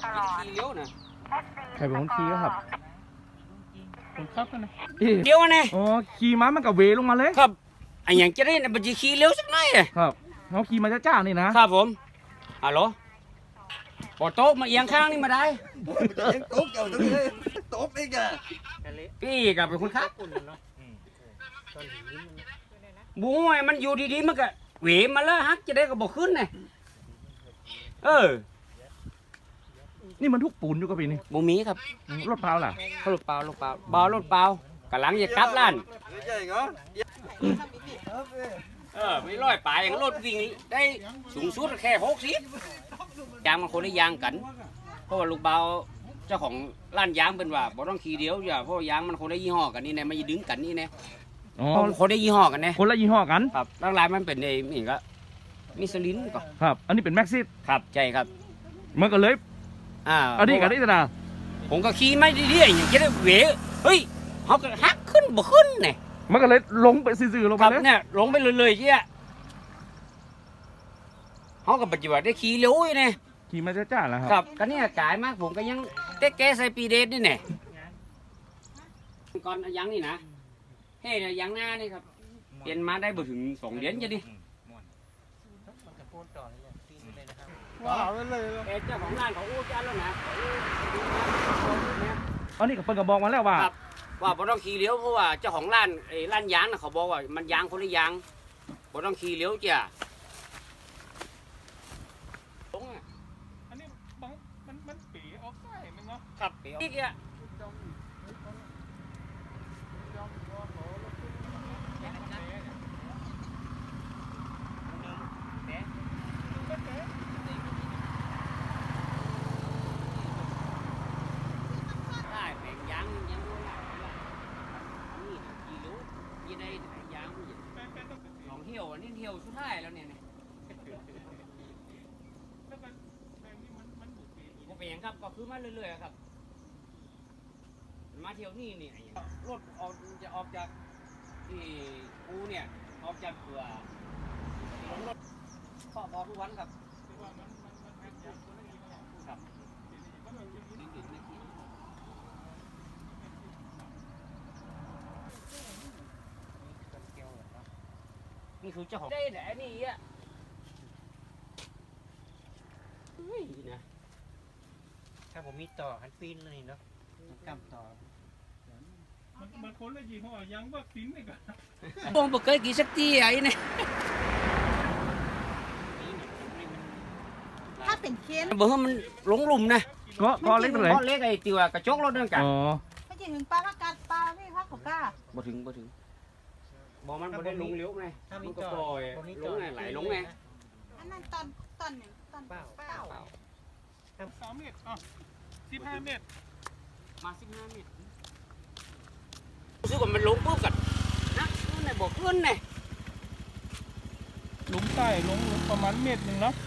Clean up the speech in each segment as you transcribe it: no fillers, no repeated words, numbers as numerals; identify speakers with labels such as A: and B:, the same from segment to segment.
A: ขี่เลี้ยวนะ
B: ใครเป็นคนขี่ครับ
C: คนขับกันนะ
A: เลี้ยวนะ
B: อ๋อขี่ม้ามันกับเวลงมาเลย
A: ครับไอ้อย่างจะได้นะบัญชีขี่เลี้ยวสักหน่อยอะ
B: ครับเขาขี่มาจ้าๆนี่นะครับ
A: ผมฮัลโหลปอโต๊ะมาเอียงข้างนี่มาได้
D: โต๊ะเกี่ยวตรงนี้โต๊ะเองอะ
A: พี่กับเป็นคนขับบู๊ยมันอยู่ดีๆมันก็เหวมาแล้วฮักจะได้ก็บอกขึ้นไง
B: นี่มันทุกปูนอยู่กับพี่นี่
A: บูมีครับ
B: รถเปล่าล่ะ
A: รถเปล่ารถเปล่าเบารถเปล่ากำลังจะกลับร้าน
D: ใหญ่เหรอ
A: ไม่ร้อยป่าอย่างรถวิ่งได้สูงสุดแค่60ยางมันคนละยางกัน เพราะว่าลูกเบาเจ้าของร้านยางเป็นว่าบ่ต้องขี่เดียวอย่าเพราะยางมันคนละยี่ห้อกันนี่นะไม่ดึงกันนี่นะ
B: อ๋อ
A: คนละยี่ห้อกันนะ
B: คนละยี่ห้อกัน
A: ครับร่างลายมันเป็นไอ้นี่ก็มิชลินก็
B: ครับ อันนี้เป็นแม็กซิส
A: ครับใช่ครับ
B: มันก็เลย อันนี้กันนี่นะ
A: ผมก็ขี่ไม่ดีๆอย่างจะได้เหวเฮ้ยเขาก็ฮักขึ้นบ่ขึ้นเนี่ย
B: มันก็เลยลงไปซื่อๆลง
A: ค
B: ไป
A: รับ
B: เลย
A: เนี่ยลงไปเลยๆเชี่ยเขาก็ปัจจุบันได้ขี่เร็วอยู่เนี่ย
B: ขี่มาจ้าๆแล้วค
A: ค
B: รั
A: รับ บก็เนี่ยกายมากผมก็ยังเต๊กแกใส่ปีเดชนี่แน่ก่อนเอายังนี่นะเฮ้ยเนี่ยยังหน้านี่ครับเปลี่ยนมาได้บ่ถึง2 เดือนจะดิ
C: ว้าวเลย
A: เจ้าของร้านเขาอู้จ้าแล้วนะ
B: อันนี้กับเปิ้ลก็บอกมาแล้วว่า
A: ครับว่าบ่ต้องขี่เลี้ยวเพราะว่าเจ้าของร้านไอ้ร้านยางน่ะเขาบอกว่ามันยางคนละยางบ่ต้องขี่เลี้ยวจ้ะตรงอ่ะ
C: อันนี้บางมันปีออกได้มั้งเนาะ
A: ครับนี่อ่ะได้แบ่งยางยังบ่ได้นี่ขี่เลี้ยวยี่ได้ยางมันอยู่ลองเที่ยวอันนี้เที่ยวสุดท้ายแล้วเนี่ยบ่เป็นหยังครับก็คือมาเรื่อยๆครับมาเที่ยวนี่นี่รถออกจะออกจากที่กูเนี่ยออกจากเผื่อลงรถข้อพอทุกวันครับครับนี่คือเจ้าของได้แต่นี่อ่ะเฮ้ยนะ
E: ถ้าผมมีต่อหันปีนเลยเนาะกำต่อ
C: มันคนละยี่ห้อยังวัคซีนนี่ก็
A: บงบ่เคยกี่สักทีไอ้เนี่ย
F: ถ้าเป็นเค้น
A: บ่ให้มันหลงหลุมนะ
B: ก็เล็กไปเลย
A: เพราะเล็กไอ้ติวกระจกรถนั่นกัน
B: อ๋อ
F: ไม่ใช่ถึงปลาละกัดปลาไม่พักของกล้า
A: บ่ถึงบ่มันบ่ได้ลงเลี้ยวไง
E: ถ้า
A: มั
E: มี
A: นก็
E: ต่อ
A: ปล่อยลงไงไหลลงไง
F: อันนั้นตอนหนึ่งตอนเปล่า
C: 3 เมตรอ๋อ15 เมตร
A: มา15 เมตรรู้สึกว่ามันลงปุ๊บกันนะนั่นน่ะบ่ขึ้นน่ะ
C: หลุมใต้ลงประมาณเมตรหนึ่งเนาะ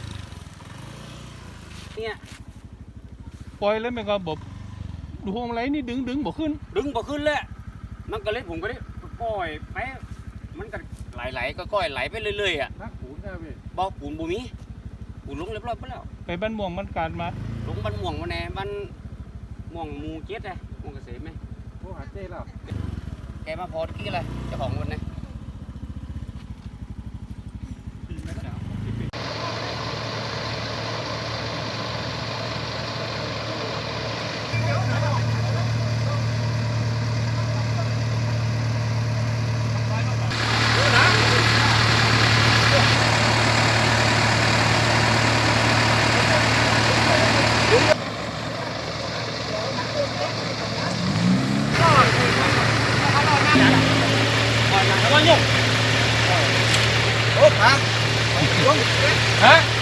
A: เนี่ย
C: ปล่อยแล้วมันก็บบดูห้องไรนี่ดึงบ่ขึ้น
A: ดึงบ่ขึ้นเลยมันก็เลยผมก็ได้ปล่อยไปมันก็ไหลๆก็ก้อยไหลไปเรื่อยๆอ่ะ
D: นักปูนใช่ไหม
A: บ่ปูนบ่มีปูนลงเรียบร้อยไปแล้ว
C: ไปบ้านม่วงมันการมา
A: ลงบ้านม่วงมาแน่บ้านม่วงหมู่7อ่ะม่วงเกษมไหม
D: พวกหาเจ้แล้ว
A: แกมาพอตะกี้อะไรเจ้าของวันนะ
D: โอ้ฮะ
A: ฮะ